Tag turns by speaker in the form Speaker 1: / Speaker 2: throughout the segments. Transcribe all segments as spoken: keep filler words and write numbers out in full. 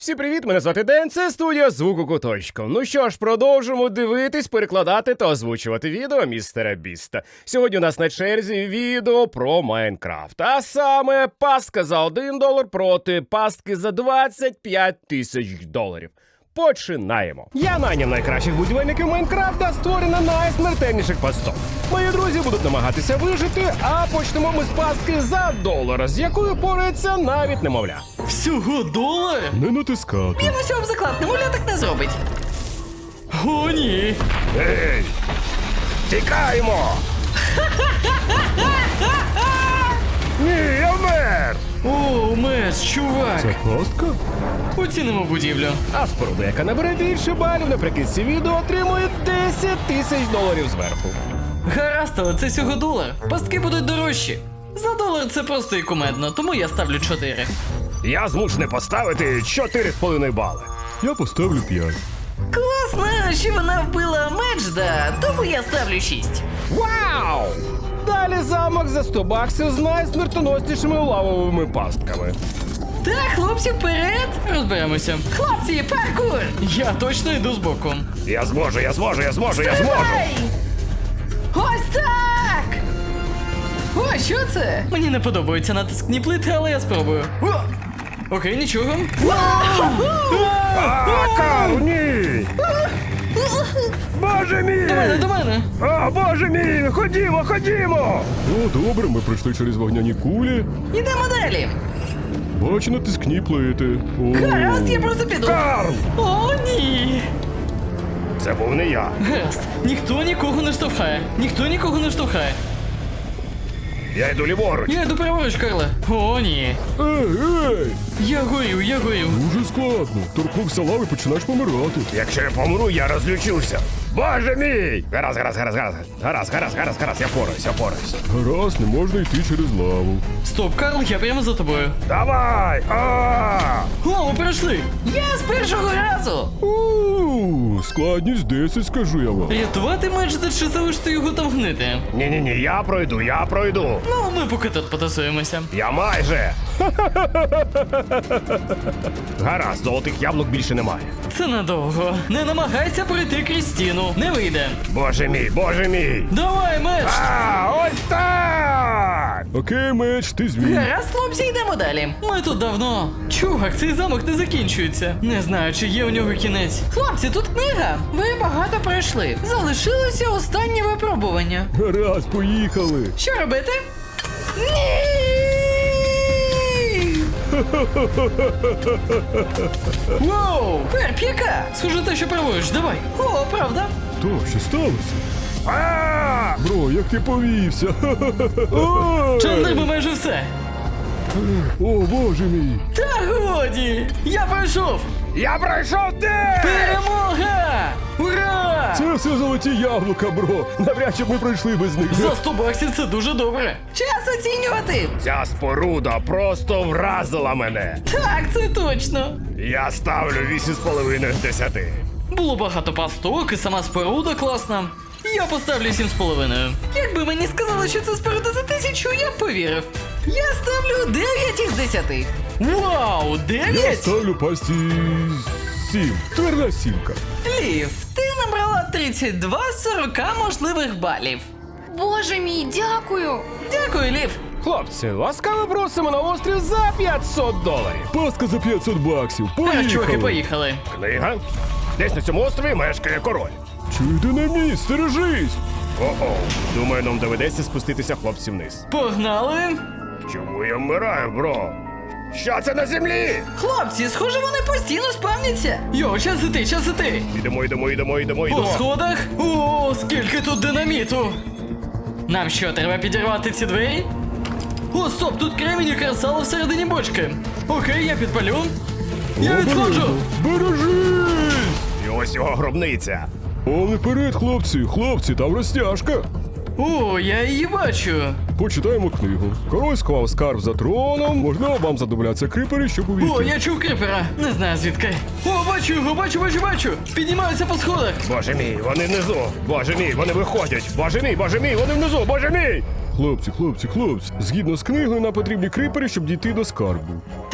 Speaker 1: Всім привіт, мене звати Ден, це студія Звуку Куточку. Ну що ж, продовжимо дивитись, перекладати та озвучувати відео містера Біста. Сьогодні у нас на черзі відео про Майнкрафт. А саме пастка за один долар проти пастки за двадцять п'ять тисяч доларів. Починаємо. Я найняв найкращих будівельників Майнкрафта, створена найсмертельніших пасток. Мої друзі будуть намагатися вижити, а почнемо ми з пастки за долар, з якою порається навіть немовля.
Speaker 2: Всього долар?
Speaker 1: Не натискати.
Speaker 2: Б'ємося об заклад, немовля так не зробить. О, ні.
Speaker 1: Ей! Тікаємо! Ні, я вмер!
Speaker 2: О, мес, чувак.
Speaker 1: Це пастка?
Speaker 2: Оцінимо будівлю.
Speaker 1: А споруда, яка набере більше балів наприкінці відео, отримує десять тисяч доларів зверху.
Speaker 2: Гаразд, але це всього долар. Пастки будуть дорожчі. За долар це просто і кумедно, тому я ставлю чотири.
Speaker 1: Я змушений поставити чотири з половиною бали. Я поставлю п'ять.
Speaker 2: Класно, що вона вбила Меджда, тому я ставлю шість.
Speaker 1: Вау! Далі замок за сто баксів з найсмертоноснішими лавовими пастками.
Speaker 2: Так, хлопці, вперед! Розберемося. Хлопці, паркур! Я точно йду збоку.
Speaker 1: Я зможу, я зможу, я зможу, я зможу!
Speaker 2: Давай! Ось так! О, що це? Мені не подобаються натискні плити, але я спробую. О! Окей, нічого.
Speaker 1: А, Карл, ні! Боже мій!
Speaker 2: До мене, до мене!
Speaker 1: О, боже мій! Ходімо, ходімо!
Speaker 3: О, добре, ми пройшли через вогняні кулі.
Speaker 2: Ідемо далі!
Speaker 3: Бачу натискні плити. О,
Speaker 2: Гаразд, я просто піду.
Speaker 1: Карл!
Speaker 2: О, ні!
Speaker 1: Це був не я.
Speaker 2: Гаразд, ніхто нікого не штовхає. Ніхто нікого не штовхає.
Speaker 1: Я йду ліворуч.
Speaker 2: Я йду праворуч, Карле. О, ні.
Speaker 3: Ей, ей!
Speaker 2: Я горю, я горю.
Speaker 3: Дуже складно. Торкнувся лави, починаєш помирати.
Speaker 1: Якщо я помру, я розлючуся. Боже мій! Гаразд, гаразд, гаразд, гаразд. Гаразд, гаразд, гаразд, гаразд, я пораюсь, я пораюсь.
Speaker 3: Гаразд, не можна йти через лаву.
Speaker 2: Стоп, Карл, я прямо за тобою.
Speaker 1: Давай! А!
Speaker 2: О, ми пройшли! Я з першого разу!
Speaker 3: У, складність десять, скажу я вам.
Speaker 2: Рятувати Меджда чи залишити його там гнити?
Speaker 1: Ні-ні-ні, я пройду, я пройду.
Speaker 2: Ну, ми поки тут потасуємося.
Speaker 1: Я майже. Гаразд, золотих яблук більше немає.
Speaker 2: Це надовго. Не намагайся пройти крізь стіну. Не вийде.
Speaker 1: Боже мій, боже мій!
Speaker 2: Давай, Медж!
Speaker 1: А, ось так!
Speaker 3: Окей, меч, ти змій.
Speaker 2: Гаразд, хлопці, йдемо далі. Ми тут давно. Чувак, цей замок не закінчується. Не знаю, чи є у нього кінець. Хлопці, тут книга. Ви багато пройшли. Залишилося останнє випробування.
Speaker 3: Гаразд, поїхали.
Speaker 2: Що робити? Ні! Воу! Перп, яка? Схоже те, що праворуч, давай. О, правда?
Speaker 3: То, що сталося?
Speaker 1: А!
Speaker 3: Бро, як ти повівся? Ой!
Speaker 2: Чандр би майже все.
Speaker 3: О, боже мій.
Speaker 2: Та годі! Я пройшов!
Speaker 1: Я пройшов де!
Speaker 2: Перемога! Ура!
Speaker 3: Це все золоті яблука, бро. Навряд чи б ми пройшли без них.
Speaker 2: За сто баксів це дуже добре. Час оцінювати!
Speaker 1: Ця споруда просто вразила мене.
Speaker 2: Так, це точно.
Speaker 1: Я ставлю вісім з половиною з десяти.
Speaker 2: Було багато пасток і сама споруда класна. Я поставлю сім з половиною. Якби мені сказали, що це споруда за тисячу, я б повірив. Я ставлю дев'ять із десяти. Вау,
Speaker 3: Я
Speaker 2: дев'ять?
Speaker 3: ставлю пасті сім. Тверда сімка.
Speaker 2: Лів, ти набрала тридцять два з сорока можливих балів.
Speaker 4: Боже мій, дякую!
Speaker 2: Дякую, Лів.
Speaker 1: Хлопці, ласкаво просимо на острів за п'ятсот доларів.
Speaker 3: Паска за п'ятсот баксів.
Speaker 2: А, чуваки,
Speaker 3: Поїхали.
Speaker 2: поїхали.
Speaker 1: Книга. Десь на цьому острові мешкає король.
Speaker 3: Чуй, динаміт, стережись.
Speaker 1: О-о, думаю, нам доведеться спуститися хлопці вниз.
Speaker 2: Погнали.
Speaker 1: Чому я вмираю, бро? Що це на землі?
Speaker 2: Хлопці, схоже, вони постійно спавняться. Йо, час іти, час іти.
Speaker 1: Ідемо, йдемо, йдемо, йдемо,
Speaker 2: По
Speaker 1: йдемо.
Speaker 2: сходах? О, скільки тут динаміту! Нам що, треба підірвати ці двері? О, стоп, тут кремінь і кресало всередині бочки. Окей, я підпалю. Я відходжу.
Speaker 3: Бережись!
Speaker 1: І ось його гробниця.
Speaker 3: Повний вперед, хлопці. Хлопці, там розтяжка.
Speaker 2: О, я її бачу.
Speaker 3: Почитаємо книгу. Король сховав скарб за троном. Можливо, вам задобляться крипери, щоб увійти.
Speaker 2: О, я чув крипера. Не знаю звідки. О, бачу його, бачу, бачу, бачу. Піднімаються по сходах.
Speaker 1: Боже мій, вони внизу. Боже мій, вони виходять. Боже мій, боже мій, вони внизу, боже мій.
Speaker 3: Хлопці, хлопці, хлопці. Згідно з книгою, нам потрібні крипери, щоб дійти до скарбу.
Speaker 2: Треба привести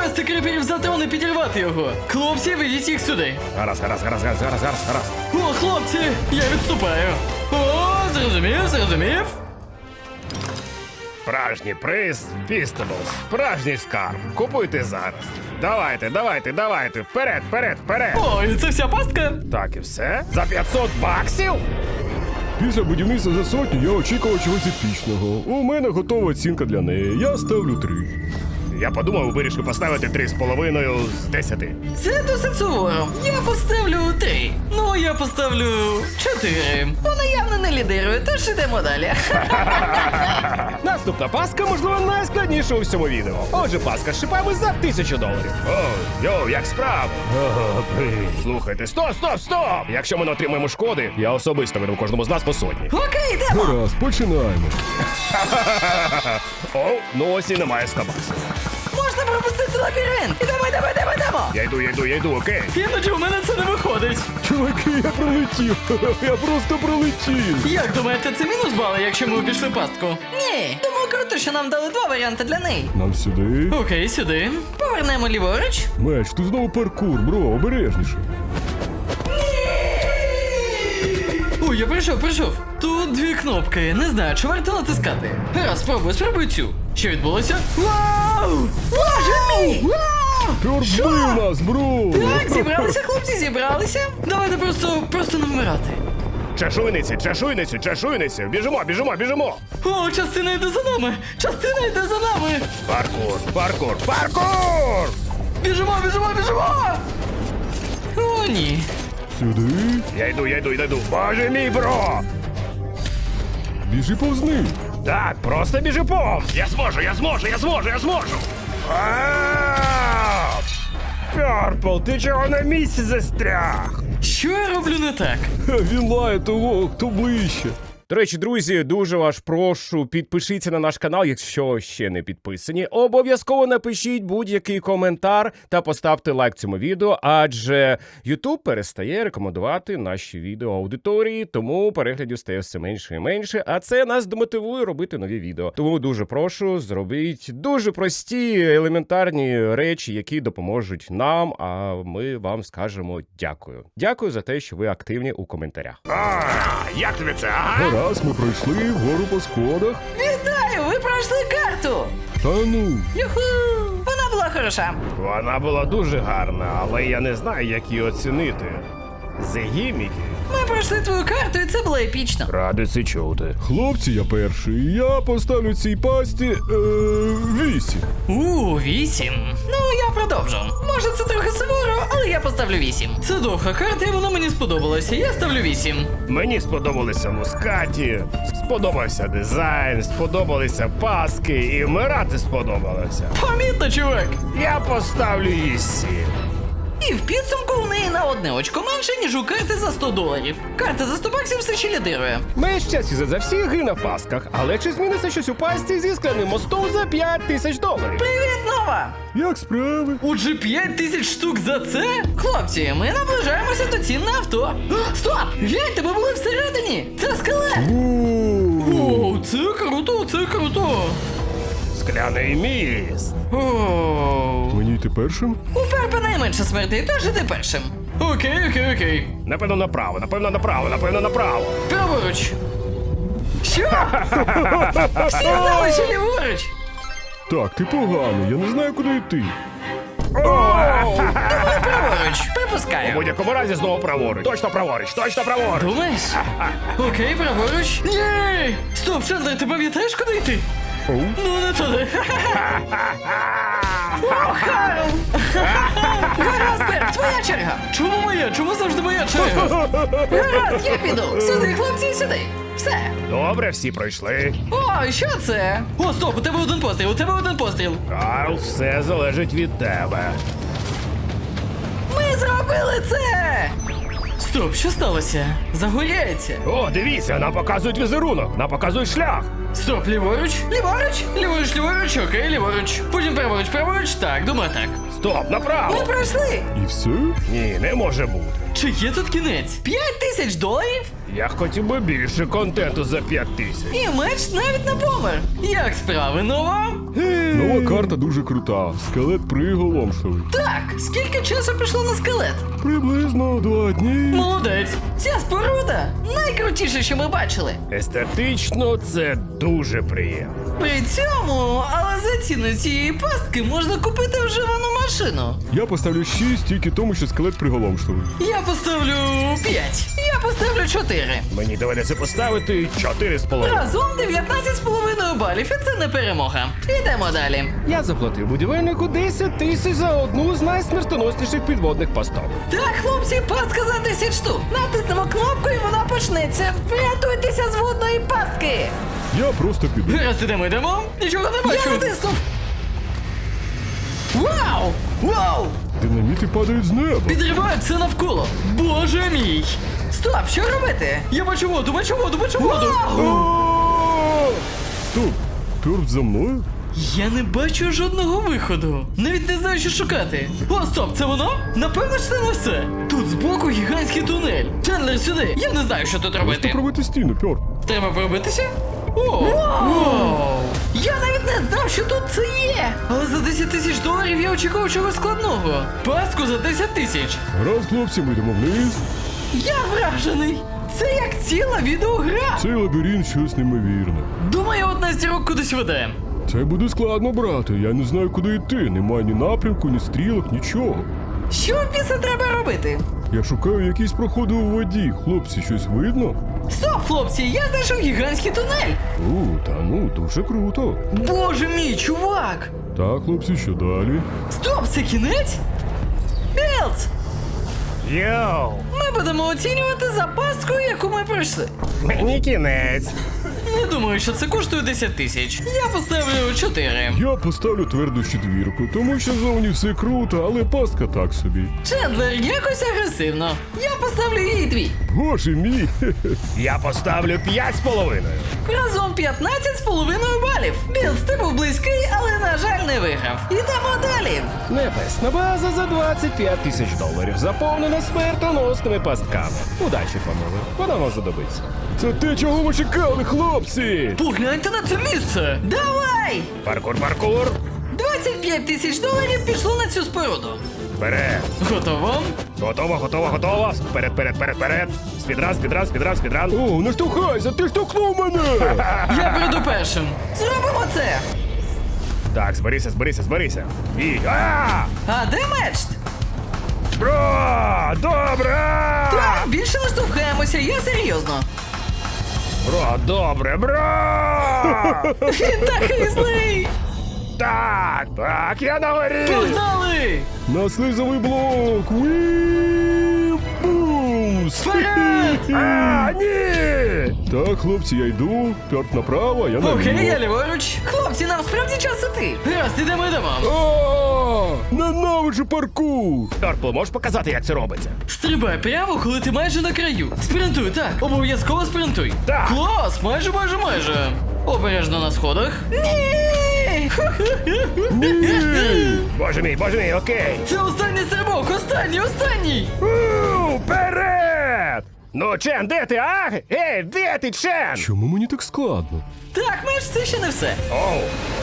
Speaker 2: Підвести криперів за трон і підірвати його. Хлопці, ведіть їх сюди.
Speaker 1: Гаразд, гаразд, гаразд, гаразд, гаразд, гаразд, гаразд.
Speaker 2: О, хлопці, я відступаю. О, зрозумів, зрозумів.
Speaker 1: Справжній приз Фістеблс, справжній скарб. Купуйте зараз. Давайте, давайте, давайте, вперед, вперед, вперед.
Speaker 2: Ой, це вся пастка?
Speaker 1: Так і все? За п'ятсот баксів?
Speaker 3: Після будівництва за сотню я очікував чогось епічного. У мене готова оцінка для неї. Я ставлю три.
Speaker 1: Я подумав, вирішив поставити три з половиною з десяти.
Speaker 2: Це досить суворо. Я поставлю три. Ну, я поставлю чотири. Вона явно не лідирує, тож ідемо далі.
Speaker 1: Наступна паска, можливо, найскладніша у всьому відео. Отже, паска з шипами за тисячу доларів. О, йоу, як справ? Ого, привіт. Слухайте, стоп, стоп, стоп! Якщо ми не отримаємо шкоди, я особисто веду кожному з нас по сотні.
Speaker 2: Окей, йдемо.
Speaker 3: Гаразд, починаємо.
Speaker 1: О, ну ось і немає ста баксів.
Speaker 2: Можна пропустити лабіринт. Ідемо, ідемо, ідемо, ідемо.
Speaker 1: Я йду, я йду, я йду, окей.
Speaker 2: Іноді у мене це не виходить.
Speaker 3: Чуваки, я пролетів. Я просто пролетів.
Speaker 2: Як думаєте, це мінус бали, якщо ми обійшли пастку? Ні. Тому круто, що нам дали два варіанти для неї.
Speaker 3: Нам сюди.
Speaker 2: Окей, сюди. Повернемо ліворуч.
Speaker 3: Меч, тут знову паркур, бро, обережніше.
Speaker 2: Ой, я прийшов, прийшов. Тут дві кнопки. Не знаю, чи варто натискати. Раз, спробуй, спробуй цю. Що відбулося? Вау! Боже мій! Вау!
Speaker 3: Пьор вбив нас, бро!
Speaker 2: Так, зібралися, хлопці, зібралися. Давайте просто, просто не вмирати.
Speaker 1: Чешуйниці, чешуйниці, чешуйниці. Біжимо, біжимо, біжимо.
Speaker 2: О, частина йде за нами! Частина йде за нами!
Speaker 1: Паркур, паркур, паркур!
Speaker 2: Біжимо, біжимо, біжимо! О, ні.
Speaker 3: Сюди.
Speaker 1: Я йду, я йду, я йду. Боже мій, бро!
Speaker 3: Біжи повз них.
Speaker 1: Так, просто біжи повз. Я зможу, я зможу, я зможу, я зможу. А! Перпл, ти чого на місці застряг?
Speaker 2: Що я роблю не так?
Speaker 3: Ха, він лає того, хто ближче.
Speaker 1: До речі, друзі, дуже вас прошу, підпишіться на наш канал, якщо ще не підписані. Обов'язково напишіть будь-який коментар та поставте лайк цьому відео, адже YouTube перестає рекомендувати наші відео аудиторії, тому переглядів стає все менше і менше, а це нас демотивує робити нові відео. Тому дуже прошу, зробіть дуже прості, елементарні речі, які допоможуть нам, а ми вам скажемо дякую. Дякую за те, що ви активні у коментарях. А, як тобі це, ага?
Speaker 3: Раз ми пройшли вгору по сходах.
Speaker 2: Вітаю! Ви пройшли карту!
Speaker 3: Та ну.
Speaker 2: Юху! Вона була хороша.
Speaker 1: Вона була дуже гарна, але я не знаю, як її оцінити. Згіміки.
Speaker 2: Ми пройшли твою карту, і це було епічно.
Speaker 1: Радий це чути.
Speaker 3: Хлопці, я перший. Я поставлю цій пасті е, вісім.
Speaker 2: У, вісім. Ну, я продовжу. Може, це трохи суворо, але я поставлю вісім. Це довга карта, і вона мені сподобалася. Я ставлю вісім.
Speaker 1: Мені сподобалися мускаті, сподобався дизайн, сподобалися паски і вмирати сподобалося.
Speaker 2: Помітно, чувак.
Speaker 1: Я поставлю їй сім.
Speaker 2: І в підсумку у неї на одне очко менше, ніж у карти за сто доларів. Карта за сто баксів все ще лідирує.
Speaker 1: Ми щастя за всі гри на пасках, але чи зміниться щось у пасті зі скляним мостом за п'ять тисяч доларів?
Speaker 2: Привіт, Нова!
Speaker 3: Як справи?
Speaker 2: Отже, п'ять тисяч штук за це? Хлопці, ми наближаємося до цін на авто. А, стоп! Гляньте, ми були всередині! Це скелет! О, це круто, це круто!
Speaker 1: Скляний міст.
Speaker 2: О,
Speaker 3: Мені йти першим?
Speaker 2: у Перпа найменше смертей, тож іди першим. Окей, окей, окей.
Speaker 1: Напевно, направо, напевно, направо, напевно, направо.
Speaker 2: Праворуч. Що? Всі знали, що ліворуч.
Speaker 3: Так, ти поганий, я не знаю, куди йти.
Speaker 2: Праворуч.
Speaker 1: У
Speaker 2: Припускаю.
Speaker 1: будь-якому разі знову праворуч. Точно праворуч, точно праворуч.
Speaker 2: Думаєш? Окей, праворуч. Ні! Стоп, Чендлер, ти пам'ятаєш, куди йти?
Speaker 3: Оу.
Speaker 2: Ну, не туди. О, Харл! Гаразд, Перп, твоя черга. Чому моя? Чому завжди моя черга? Гаразд, я піду. Сюди, хлопці, сюди. Все.
Speaker 1: Добре, всі пройшли.
Speaker 2: О, що це? О, стоп, у тебе один постріл, у тебе один постріл.
Speaker 1: Карл, все залежить від тебе.
Speaker 2: Ми зробили це! Стоп, що сталося? Загоряється.
Speaker 1: О, дивіться, нам показують візерунок, нам показують шлях.
Speaker 2: Стоп, ліворуч, ліворуч, ліворуч, ліворуч, окей, ліворуч. Потім праворуч, праворуч, так, думаю так.
Speaker 1: Стоп, направо!
Speaker 2: Ми пройшли!
Speaker 3: І все?
Speaker 1: Ні, не може бути.
Speaker 2: Чи є тут кінець? П'ять тисяч доларів?
Speaker 1: Я хотів би більше контенту за п'ять тисяч.
Speaker 2: І меч навіть не помер. Як справи, нова?
Speaker 3: Нова карта дуже крута. Скелет приголомшливий.
Speaker 2: Так, скільки часу пішло на скелет?
Speaker 3: Приблизно два дні.
Speaker 2: Молодець! Ця споруда найкрутіше, що ми бачили.
Speaker 1: Естетично це дуже приємно.
Speaker 2: При цьому, але за ціну цієї пастки можна купити вживану машину.
Speaker 3: Я поставлю шість тільки тому, що скелет приголомшливий.
Speaker 2: Я поставлю п'ять. Я поставлю чотири.
Speaker 1: Мені доведеться поставити чотири з половиною.
Speaker 2: Разом дев'ятнадцять з половиною балів, і це не перемога. Ідемо далі.
Speaker 1: Я заплатив будівельнику десять тисяч за одну з найсмертоносніших підводних пасток.
Speaker 2: Так, хлопці, пастка за десять штук. Натиснемо кнопку і вона почнеться. Врятуйтеся з водної пастки.
Speaker 3: Я просто піду.
Speaker 2: Зараз ідемо, йдемо. Нічого не бачу. Я натиснув. Вау! Вау!
Speaker 3: Динаміти падають з неба.
Speaker 2: Підривають все навколо. Боже мій! Стоп, що робити? Я бачу воду, бачу воду, бачу воду.
Speaker 3: О! Стоп, Пёрт за мною?
Speaker 2: Я не бачу жодного виходу. Навіть не знаю, що шукати. О, стоп, це воно? Напевно, ж це не все. Тут збоку гігантський тунель. Чендлер, сюди. Я не знаю, що тут
Speaker 3: Просто
Speaker 2: робити.
Speaker 3: пробити стіну, Пёрт.
Speaker 2: Треба пробитися? О! Вау! Я навіть не знав, що тут це є. Але за десять тисяч доларів я очікував чогось складного. Пастку за десять тисяч.
Speaker 3: Раз, хлопці, ми йдемо вниз.
Speaker 2: Я вражений. Це як ціла відеогра.
Speaker 3: Цей лабіринт щось неймовірне.
Speaker 2: Думаю, одна з зірок кудись веде.
Speaker 3: Це буде складно, брате. Я не знаю, куди йти. Немає ні напрямку, ні стрілок, нічого.
Speaker 2: Що в біса треба робити?
Speaker 3: Я шукаю якісь проходи у воді. Хлопці, щось видно?
Speaker 2: Стоп, хлопці, я знайшов гігантський тунель.
Speaker 3: У, та ну, дуже круто.
Speaker 2: Боже мій, чувак!
Speaker 3: Так, хлопці, що далі?
Speaker 2: Стоп, це кінець? Білдс!
Speaker 1: Йоу!
Speaker 2: Ми будемо оцінювати за пасткою, яку ми пройшли.
Speaker 1: Мені кінець.
Speaker 2: Не думаю, що це коштує десять тисяч. Я поставлю чотири.
Speaker 3: Я поставлю тверду четвірку, тому що зовні все круто, але пастка так собі.
Speaker 2: Чендлер якось агресивно. Я поставлю їй дві.
Speaker 3: Боже мій! хе-хе.
Speaker 1: Я поставлю п'ять з половиною.
Speaker 2: Разом п'ятнадцять з половиною балів. Білдс, ти був близький, але, на жаль, не виграв. Ідемо далі.
Speaker 1: Небесна база за двадцять п'ять тисяч доларів, заповнена смертоносними пастками. Удачі, панове, вона вам знадобиться.
Speaker 3: Це те, чого ви чекали, хлопці!
Speaker 2: Погляньте на це місце. Давай!
Speaker 1: Паркур, паркур.
Speaker 2: двадцять п'ять тисяч доларів пішло на цю споруду.
Speaker 1: Вперед.
Speaker 2: Готово?
Speaker 1: Готово, готово, готово. Вперед, вперед, вперед, вперед. Спідран, спідран, спідран, спідран.
Speaker 3: О, не штовхайся, ти штовхнув мене!
Speaker 2: Я прийду першим. Зробимо це.
Speaker 1: Так, зберися, зберися, зберися. І. А!
Speaker 2: А де меч?
Speaker 1: Бро! Добре!
Speaker 2: Так, більше не штовхаємося, я серйозно.
Speaker 1: Бро, добре, бро!
Speaker 2: Він такий злий.
Speaker 1: Так, так, я на горі!
Speaker 2: Погнали!
Speaker 3: На слизовий блок! Уі! Бумс!
Speaker 2: Вперед!
Speaker 1: А, ні!
Speaker 3: Так, хлопці, я йду. Пёрт направо, я наліво.
Speaker 2: Окей, я ліворуч. Хлопці, нам справді час іти. Раз, ідемо, йдемо.
Speaker 3: А, ненавиджу паркур!
Speaker 1: Торпл, можеш показати, як це робиться?
Speaker 2: Стрибай прямо, коли ти майже на краю. Спринтуй, так. Обов'язково спринтуй.
Speaker 1: Так.
Speaker 2: Клас, майже, майже, майже. Обережно на сходах. Ні!
Speaker 3: Ні!
Speaker 1: Боже мій, боже мій, окей.
Speaker 2: Це останній стрибок, останній, останній.
Speaker 1: У, вперед! Ну, Чен, де ти, а? Ей, де ти, Чен?
Speaker 3: Чому мені так складно?
Speaker 2: Так, меч, це ще не все.
Speaker 1: Оу,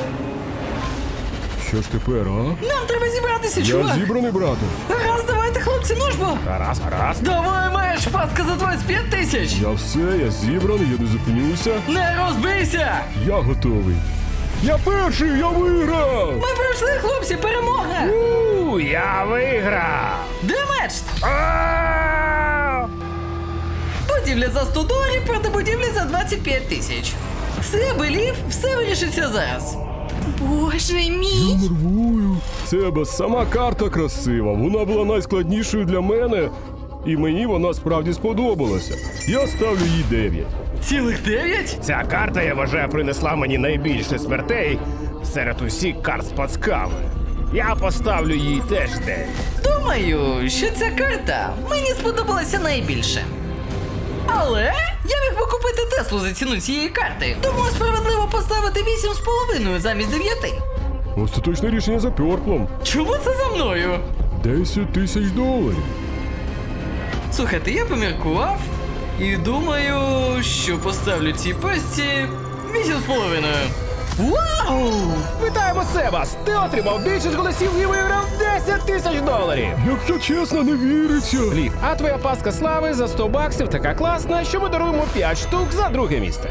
Speaker 3: Що ж тепер, а?
Speaker 2: Нам треба зібратися,
Speaker 3: Я
Speaker 2: чувак.
Speaker 3: зібраний, брате.
Speaker 2: Раз, давайте, хлопці, ну ж бо.
Speaker 1: гаразд, гаразд.
Speaker 2: Давай, меч, пастка за двадцять п'ять тисяч.
Speaker 3: Я все, я зібраний, я не зупинюся.
Speaker 2: Не розбийся.
Speaker 3: Я готовий. Я перший, я виграв!
Speaker 2: Ми пройшли, хлопці, перемога.
Speaker 1: У, я виграв.
Speaker 2: Де меч?
Speaker 1: А!
Speaker 2: Будівля за сто доларів проти будівлі за двадцять п'ять тисяч. Все, белів, все вирішиться зараз.
Speaker 4: Боже мій!
Speaker 3: Нервую. Це бо сама карта красива. Вона була найскладнішою для мене, і мені вона справді сподобалася. Я ставлю їй дев'ять.
Speaker 2: Цілих дев'ять?
Speaker 1: Ця карта, я вважаю, принесла мені найбільше смертей серед усіх карт з пацками. Я поставлю їй теж дев'ять.
Speaker 2: Думаю, що ця карта мені сподобалася найбільше. Але я міг би купити Теслу за ціну цієї карти. Тому справедливо поставити вісім з половиною замість дев'яти.
Speaker 3: Остаточне рішення за пьорплом.
Speaker 2: Чому це за мною?
Speaker 3: десять тисяч доларів.
Speaker 2: Слухайте, я поміркував і думаю, що поставлю цій песті вісім з половиною. Вау!
Speaker 1: Вітаємо, Себас! Ти отримав більшість голосів і виграв десять тисяч доларів!
Speaker 3: Якщо чесно, не віриться.
Speaker 1: Лів, а твоя паска слави за сто баксів така класна, що ми даруємо п'ять штук за друге місце.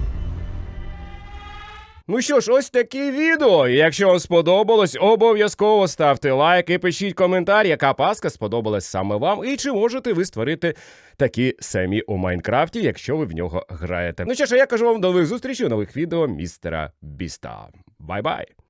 Speaker 1: Ну що ж, ось таке відео. Якщо вам сподобалось, обов'язково ставте лайк і пишіть коментар, яка паска сподобалась саме вам, і чи можете ви створити такі самі у Майнкрафті, якщо ви в нього граєте. Ну що ж, а я кажу вам до нових зустрічей у нових відео містера Біста. Бай-бай!